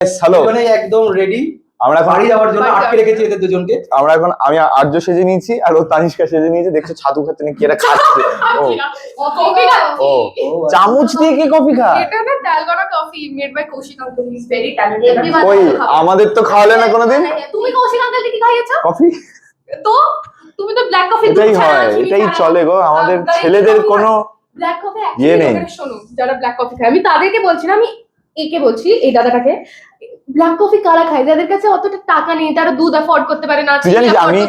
Hello, মানে একদম ready আমরা এখন বাড়ি যাওয়ার জন্য আটকে রেখেছি এদের দুজনকে। আমরা এখন আমি আর্য সেজে নিয়েছি আর ও তানিষ্কা সেজে নিয়েছে। দেখছো ছাতু খাচ্ছে না, কি এরা খাচ্ছে। ও চামচ দিয়ে কি কফি খায়? এটা না dalgona coffee made by Koushik uncle, he is very talented. কই আমাদের তো খাওয়ালে না কোনোদিন তুমি কৌশিক আঙ্কেলকে কি খাইয়েছো? কফি। তো তুমি তো ব্ল্যাক কফি এটাই হয়, এটাই চলে গো। আমাদের ছেলেদের কোনো ব্ল্যাক কফি ইয়ে নেই। শোনো, যারা ব্ল্যাক কফি খায়, আমি তাদেরকে বলছি না, আমি একে বলছি, এই দাদাটাকে। ব্ল্যাক কফি কারা খায়? যাদের কাছে অতটা টাকা নেই, তারা দুধ অ্যাফোর্ড করতে পারে না, তুই জানিস আমি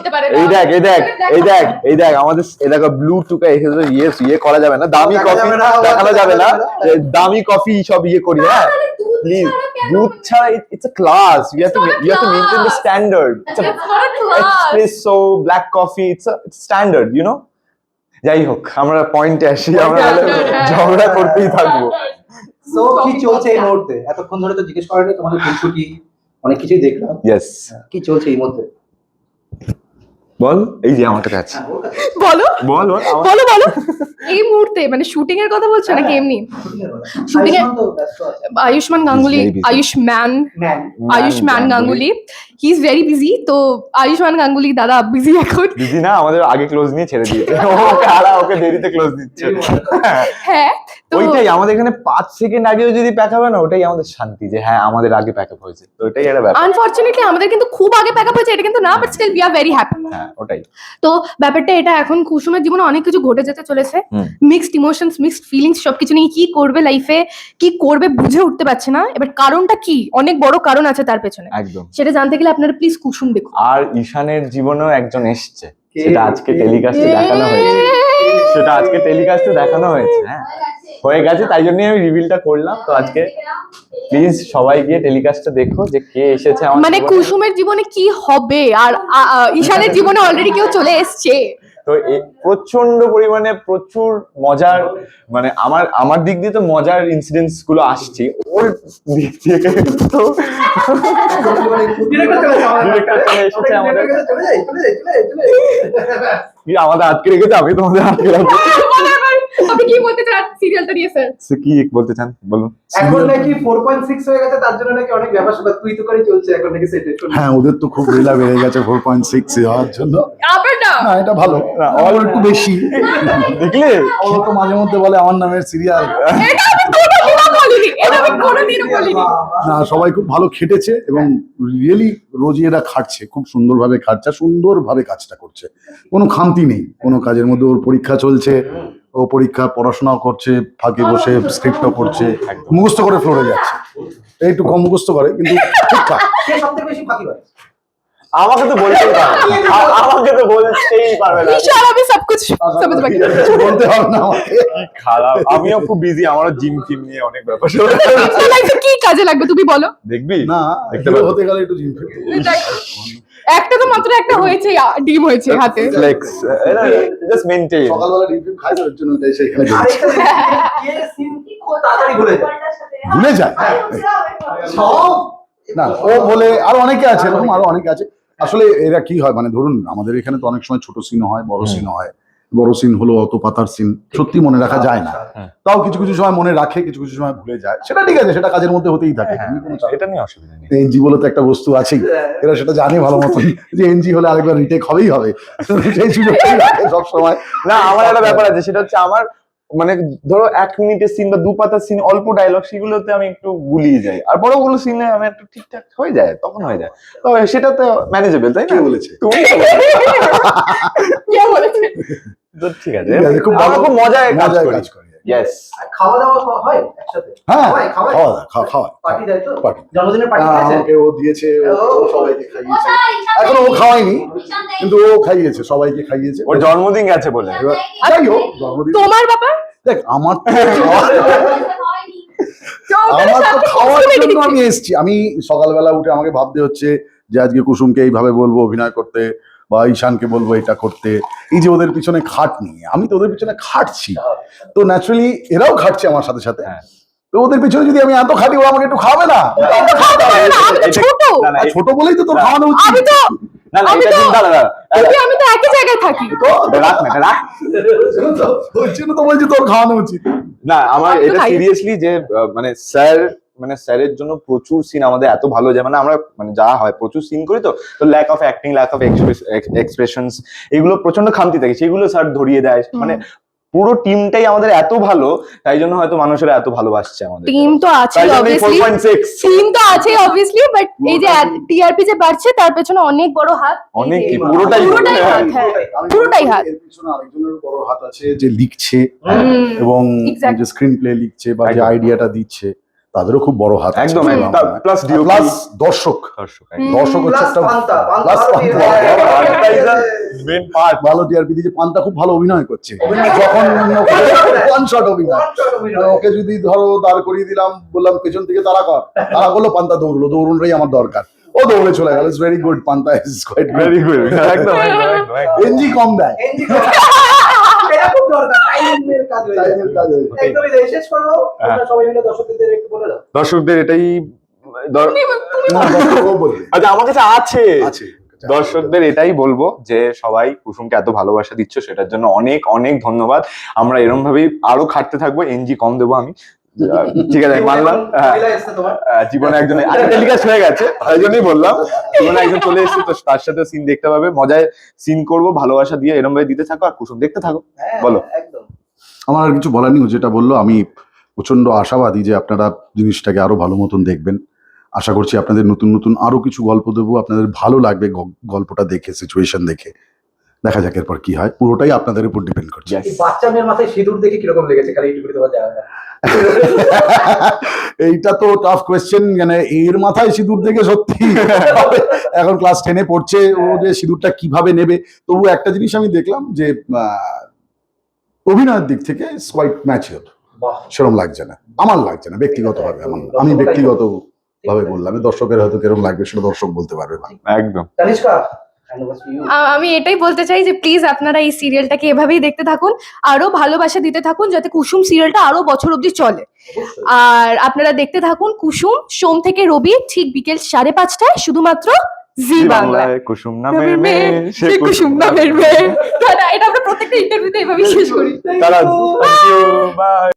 এই দেখ আমাদের এলাকা ব্লু টুকা এসে ইয়ে করা যাবে না, দামি কফি দেখানো যাবে না, দামি কফি সব ইয়ে করি। হ্যাঁ প্লিজ, দুধ ছাড়া it's a class, you have to maintain the standard. Espresso black coffee it's a standard, you know. যাই হোক, আমরা পয়েন্টে আসি, আমরা ঝগড়া করতেই থাকবো। সো কি চলছে এই মুহূর্তে? এতক্ষণ ধরে তো জিজ্ঞেস করেনি তোমাদের খুনসুটি অনেক কিছুই দেখলাম। ইয়েস, কি চলছে এই মুহূর্তে? বল। এই যে আমার কাছে আছে, বলো বল বল বলো বলো। এই মুহূর্তে মানে শুটিং এর কথা বলছো নাকি এমনি? শুটিং এ Ayushmann Ganguly, Ayushmann Ganguly, he is very busy. তো আয়ুষ্মান গাঙ্গুলি দাদা বিজি এখন। বিজি না, আমাদের আগে ক্লোজ নিয়ে ছেড়ে দিয়েছে। ওকে দেরিতে ক্লোজ দিচ্ছে। হ্যাঁ, তো ওইটাই আমাদের এখানে 5 সেকেন্ড আগেও যদি প্যাক হবে না, ওটাই আমাদের শান্তি, যে হ্যাঁ আমাদের আগে প্যাক আপ হয়েছে। তো ওটাই একটা ব্যাপার। আনফরচুনেটলি আমাদের কিন্তু খুব আগে প্যাক আপ হয়েছে এটা কিন্তু না, but still we are very happy. হ্যাঁ ওটাই। তো ব্যাপারটা এটা, এখন কুসুমের জীবনে অনেক কিছু ঘটে যেতে চলেছে, মিক্সড ইমোশনস, মিক্সড ফিলিংস, সবকিছু নিয়ে কি করবে লাইফে, কি করবে বুঝে উঠতে পারছে না। এবার কারণটা কি? অনেক বড় কারণ আছে তার পেছনে, একদম। সেটা জানতে গেলে আপনারা প্লিজ কুসুম দেখুন। আর ঈশানের জীবনেও একজন এসছে, সেটা আজকে টেলিকাস্টে দেখানো হয়েছে। হ্যাঁ হয়ে গেছে, তাই জন্যই আমি রিভিলটা করলাম। তো আজকে প্লিজ সবাই গিয়ে টেলিকাস্টটা দেখো যে কে এসেছে আমার মানে জীবনে। কুসুমের জীবনে কি হবে, আর ঈশানের জীবনে অলরেডি কেউ চলে এসছে। তো প্রচন্ড পরিমাণে প্রচুর মজার, মানে আমার দিক দিয়ে তো মজার ইনসিডেন্টস গুলো আসছে, ওর দিক থেকে তো আমাদের আটকে রেখেছে। আমি তোমাদের আটকে রাখবো। আপনি কি বলতে চান সিরিয়ালটা নিয়ে স্যার? কি বলতে চান বলুন। এখন নাকি 4.6 হয়ে গেছে, তার জন্য নাকি অনেক ব্যাপার স্যাপার তুই তো করে চলছে এখন নাকি সেট। হ্যাঁ ওদের তো খুব রেলা বেড়ে গেছে 4.6 হওয়ার জন্য। আবার না, না এটা ভালো, অল একটু বেশি দেখলে। ও তো মাঝে মধ্যে বলে আমার নামের সিরিয়াল। এটা আমি কোনোদিনও বলিনি, এটা আমি কোনোদিনও বলিনি। না সবাই খুব ভালো খেটেছে এবং রিয়েলি রোজই এরা খাটছে, খুব সুন্দরভাবে খাটছে, সুন্দরভাবে কাজটা করছে, কোনো খামতি নেই কোনো কাজের মধ্যে। ওর পরীক্ষা চলছে, ও পরীক্ষা পড়াশোনাও করছে, ফাঁকে বসে স্ক্রিপ্টও করছে, মুখস্থ করে ফ্লোরে যাচ্ছে। একটু কম মুখস্থ করে কিন্তু ঠিকঠাক। কে সবথেকে বেশি ফাঁকি হয়? আমাকে তো বলতেই পারবে না। ঈশান আমি সব কিছু समझ পাই। কিছু বলতে হবে না আমাকে। খারাপ, আমিও খুব বিজি, আমারও জিম টিম নিয়ে অনেক ব্যাপার। লাইফে কি কাজে লাগবে তুমি বলো? দেখবি না দেখতে হিরো পাবো। হতে গেলে একটু জিম ফিট একটা তো মাত্র একটা হয়েছে, ডিম হয়েছে হাতে। Flex just maintain. সকালবেলা ডিম ফিট খাই, ওর জন্য ওটাই সেখানে আরেকটা কে সিন খুব তাড়াতাড়ি ভুলে যায়। ভুলে যায়। সব না ও বলে, আরো অনেকে আছে এরকম, আরো অনেকে আছে। আসলে এরা কি হয়, মানে ধরুন আমাদের এখানে তো অনেক সময় ছোট সিন হয়, বড় সিন হয়। বড় সিন হলো অত পাতার সিন, সত্যি মনে রাখা যায় না। তাও কিছু কিছু সময় মনে রাখে, কিছু কিছু সময় ভুলে যায়। সেটা ঠিক আছে, সেটা কাজের মধ্যে হতেই থাকে। এটা নিয়ে অসুবিধা নেই। এনজি বলে তো একটা বস্তু আছেই, এরা সেটা জানে ভালো মতন যে এনজি হলে আরেকবার রিটেক হবেই হবে। সেই সুযোগটাই রাখে সবসময়। না আমার একটা ব্যাপার আছে, সেটা হচ্ছে আমার মানে ধরো 1 মিনিটের সিন বা 2 পাতার সিন, অল্প ডায়লগ, সেগুলোতে আমি একটু গুলিয়ে যাই। আর বড়গুলো সিনে আমি একটু ঠিকঠাক হয়ে যায়, তখন হয়ে যায়। তো সেটা তো ম্যানেজেবল, তাই না? কে বলেছে? তুমি কে বলেছে? তো ঠিক আছে, খুব ভালো, খুব মজায় কাজ কাজ করি। করে। ইয়েস। খাওয়া দাওয়া হয় একসাথে? হ্যাঁ খাওয়া খাওয়া পার্টি দেয় তো? পার্টি। জন্মদিনের পার্টি দিয়েছে? আমাকে ও দিয়েছে, ও সবাইকে খাইয়েছে। এখন ও খাওয়ায়নি কিন্তু ও খাইয়েছে, সবাইকে খাইয়েছে। ওর জন্মদিন গেছে বলে। এবার যাই হোক, জন্মদিন তোমার ব্যাপার দেখ, আমার তো খাওয়ার জন্য আমি এসেছি। আমি সকালবেলা উঠে আমাকে ভাবতে হচ্ছে যে আজকে কুসুমকে এইভাবে বলবো অভিনয় করতে, বা ঈশানকে বলবো এটা করতে। এই যে ওদের পিছনে খাটনি, আমি তো ওদের পিছনে খাটছি, তো ন্যাচারালি এরাও খাটছে আমার সাথে সাথে। তো ওদের পিছনে যদি আমি এত খাটি, ও আমাকে একটু খাবে না? ছোট বলেই তো তোর খাওয়ানো উচিত। আমি তো না না, এটা কিন্তু দাঁড়া আমি তো একই জায়গায় থাকি। তো রাখ না, রাখ। ওই জন্য তো বলছি তোর খাওয়ানো উচিত। না আমার আমি তো এটা খাই। সিরিয়াসলি যে মানে স্যার মানে স্যারের জন্য প্রচুর সিন আমাদের এত ভালো যায়, মানে আমরা মানে যা হয় প্রচুর সিন করি, তো lack of acting, lack of expressions, এগুলো প্রচন্ড খামতি থাকে, সেগুলো স্যার ধরিয়ে দেয়। মানে পুরো টিমটাই আমাদের এত ভালো, তাই জন্য হয়তো মানুষেরা এত ভালোবাসছে আমাদের। টিম তো আছে তাই জন্য অবভিয়াসলি, 4.6 টিম তো আছে অবভিয়াসলি, বাট এই যে টিআরপি যে বাড়ছে তার পেছনে অনেক বড় হাত, অনেক এই কি, যে- পুরোটাই পুরোটাই হাত, হ্যাঁ পুরোটাই হাত। এর পিছনে আরেকজনের বড় হাত আছে, যে লিখছে হুম, এবং exactly. যে স্ক্রিন প্লে লিখছে বা যে একদম। আইডিয়াটা দিচ্ছে, তাদেরও খুব বড় হাত আছে। একদম, একদম। প্লাস ডিও প্লাস দর্শক দর্শক দর্শক হচ্ছে একটা প্লাস মেন পার্ট। ভালো টিআরপি দিয়েছে। পান্তা খুব ভালো অভিনয় করছে, যখন ওয়ান শট অভিনয়। ওকে যদি ধরো দাঁড় করিয়ে দিলাম, বললাম পেছন থেকে তারা কর, তারা করলো, পান্তা দৌড়লো, দৌড়টাই আমার দরকার, ও দৌড়ে চলে গেল। ইটস ভেরি গুড, পান্তা ইজ কোয়াইট ভেরি গুড, একদম একদম। এনজি কম দেয়, এটা খুব দরকার, টাইমের কাজ হয়ে যায়। টাইমের কাজ হয়ে যায়। একদমই তাই। শেষ করবো, তোমরা সবাই মিলে দর্শকদের একটু বলে দাও। দর্শকদের এটাই না, দর্শকও বলবে। আচ্ছা, আমার কাছে আছে। আছে। দর্শকদের এটাই বলবো যে সবাই কুসুমকে এত ভালোবাসা দিচ্ছ, সেটার জন্য অনেক অনেক ধন্যবাদ। আমরা এরকম ভাবেই আরো খাটতে থাকবো, এনজি কম দেবো আমি। ঠিক আছে, মানলাম। মহিলা এসছে তোমার। জীবনে একজন টেলিকাস্ট হয়ে গেছে, তাই জন্যই বললাম। জীবনে একজন চলে এসেছে, তো তার সাথে সিন দেখতে পাবে, মজায় সিন করবো, ভালোবাসা দিয়ে এরকম ভাবে দিতে থাকো, আর কুসুম দেখতে থাকো। হ্যাঁ, বলো। একদম। আমার আর কিছু বলার নেই, ও যেটা বললো আমি প্রচন্ড আশাবাদী যে আপনারা জিনিসটাকে আরো ভালো মতন দেখবেন। আশা করছি আপনাদের নতুন নতুন আরো কিছু গল্প দেবো, আপনাদের ভালো লাগবে গল্পটা দেখে, সিচুয়েশন দেখে। দেখা যাক এরপর কি হয়, পুরোটাই আপনাদের উপর ডিপেন্ড করছে। Yes. এই বাচ্চা মেয়ের মাথায় সিঁদুর দেখে কিরকম লেগেছে? খালি এইটুকুই দেওয়া যায় না। এইটা তো টাফ কোয়েশ্চেন, মানে এর মাথায় সিঁদুর দেখে সত্যি এখন ক্লাস 10-এ পড়ছে, ও যে সিঁদুরটা কিভাবে নেবে। তবু একটা জিনিস আমি দেখলাম যে অভিনয়ের দিক থেকে কোয়াইট ম্যাচিওর, বাহ। সেরকম লাগছে না, আমার লাগছে না ব্যক্তিগতভাবে। আমি ব্যক্তিগত ভাবে বললাম, দর্শকের হয়তো কিরকম লাগবে সেটা দর্শক বলতে পারবে না। একদম। Tanishka, hand over to you. আমি এটাই বলতে চাই যে প্লিজ আপনারা এই সিরিয়ালটাকে এভাবেই দেখতে থাকুন, আরো ভালোবাসা দিতে থাকুন, যাতে কুসুম সিরিয়ালটা আরো বছর অবধি চলে। অবশ্যই। আর আপনারা দেখতে থাকুন কুসুম, সোম থেকে রবি ঠিক বিকেল 5:30টায়, শুধুমাত্র জি বাংলায়। কুসুম নামের মেয়ে, সে কুসুম নামের মেয়ে। এটা আমরা প্রত্যেকটা ইন্টারভিউতে এভাবেই শেষ করি। তারা, থ্যাংক ইউ, বাই।